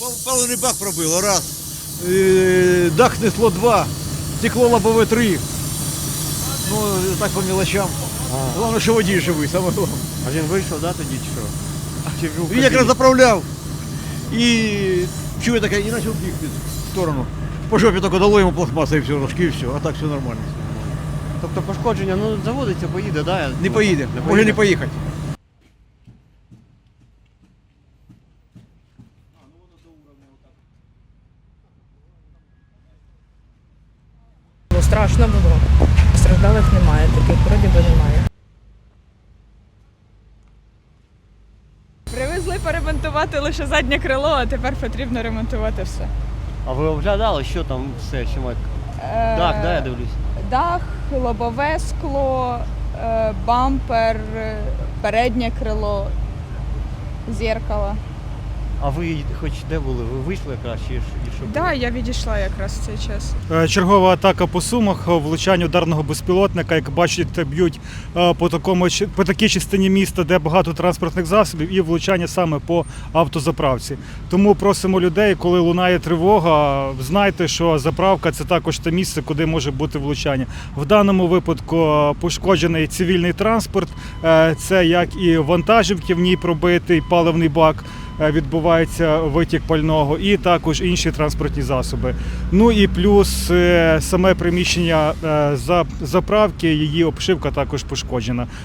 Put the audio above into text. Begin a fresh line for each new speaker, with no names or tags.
Паливний бак пробило, раз. Дах снесло 2, стекло лобове 3. Ну, так по мелочам. Головне, що водій живий, саме головне.
А він вийшов, да, тоді чи що? Чи був в
Він якраз
кабіні?
заправляв. І чує таке, і почав бігти в сторону. По жопі тільки дало йому пластмаса і все, рожки, і все, а так все нормально.
Тобто пошкодження, ну заводиться, поїде, да?
Не поїде, може не поїхати.
Ну, страшно було. Постраждалих немає, таких вроді би немає.
Привезли поремонтувати лише заднє крило, а тепер потрібно ремонтувати все.
А ви оглядали, що там все, що ми... Так, да, я дивлюсь.
Дах, лобове скло, бампер, переднє крило, зеркало.
А ви хоч де були? Ви вийшли якраз чи що?
Так, да, я відійшла якраз в цей час.
Чергова атака по Сумах, влучання ударного безпілотника, як бачите, б'ють по такій частині міста, де багато транспортних засобів, і влучання саме по автозаправці. Тому просимо людей, коли лунає тривога, знайте, що заправка – це також те місце, куди може бути влучання. В даному випадку пошкоджений цивільний транспорт, це як і вантажівки, в ній пробитий паливний бак, відбувається витік пального, і також інші транспортні засоби. Ну і плюс саме приміщення заправки, її обшивка також пошкоджена.